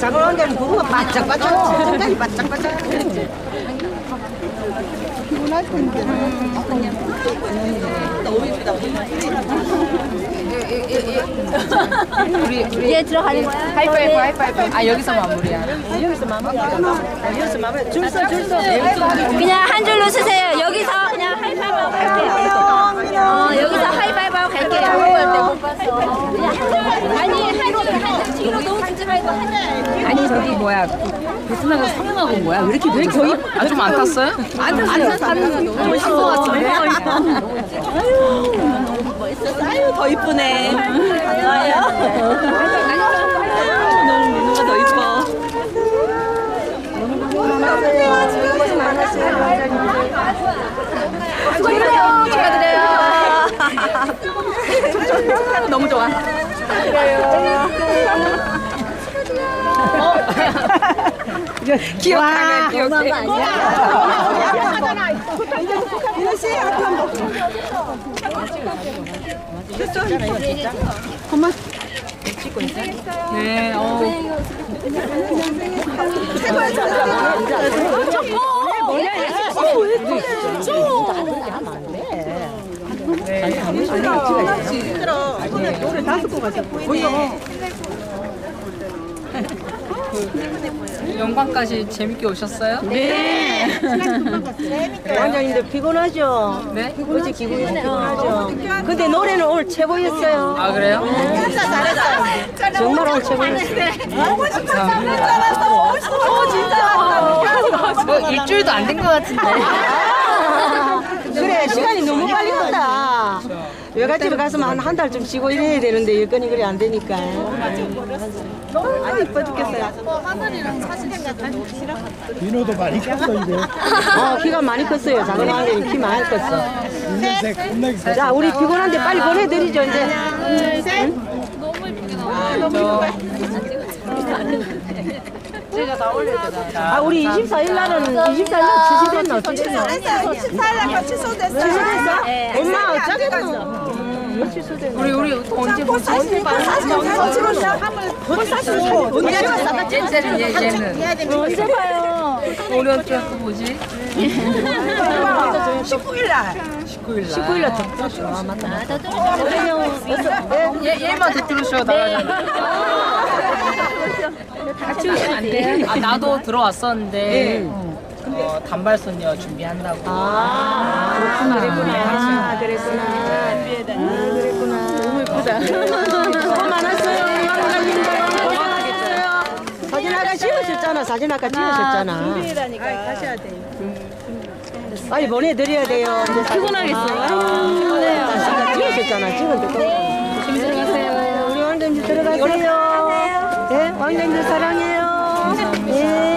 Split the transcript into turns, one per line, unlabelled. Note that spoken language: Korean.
작은 왕자는 부부가 바짝바짝 굉장히 바짝바짝 피곤할 텐데 너무 이쁘다
우리 얘 들어가는 거야?
하이파이브 하이파이브. 아 여기서 마무리야.
여기서 마무리 줄서
그냥 한 줄로 쓰세요. 여기서 그냥 하이파이브 하고 갈게요. 여기서 하이파이브 하고 갈게요. 못 봤어. 아니 한 뒤로 너무 주지 말고
아니 저기 뭐야 베트남에서 성형하고 뭐야? 왜 이렇게 저희 좀 안 탔어요? 안 탔어요. 너무 멋있을 것 같은데.
아유 더 이쁘네 좋아요 너무 민호가 더 이뻐
축하드려요. 너무 좋아. 기억하네 기억해.
민호 씨 그만
네.
힘들어 노래 다 듣고 가자
영광까지 재밌게 오셨어요?
원장님들 피곤하죠?
네.
어제 기분이 피곤하죠? 근데 노래는 오늘 최고였어요
아 그래요?
정말 오늘 최고였어요
일주일도 안 된 것 같은데.
그래 시간이 너무 빨리 간다 외갓집에 가서만 한 달 좀 쉬고 이래야 되는데 여건이 그래 안 되니까 아 이뻐 죽겠어요
민호도 많이 컸어 이제.
키가 많이 컸어요 작은 왕자님 키 많이 컸어
인생 겁나게 컸어.
자 우리 피곤한데 빨리 보내드리죠 이제 우리 24일 날은 24일 날 취소됐나 어떻게 됐나
24일날 취소됐어요.
취소됐어? 엄마 어쩌겠노
우리 또 언제 보지? 얘는 얘는
언제 봐요?
우리 어떻게 또 보지?
19일날.
19일 날 덥죠 아 맞다
얘만 듣들으셔 나가잖아.
같이 오시면 안 돼요?
아 나도 들어왔었는데 단발손녀 준비한다고.
그랬구나 그랬구나 너무 예쁘다 수고 많았어요 사진 아까 찍으셨잖아 사진 아까 찍으셨잖아 준비라니까 하셔야 돼요 빨리 보내드려야 돼요 피곤하겠어요 찍으셨잖아 찍은데
조심히 들어가세요.
우리 왕자님 들어가세요 네 왕자님들 사랑해요 네.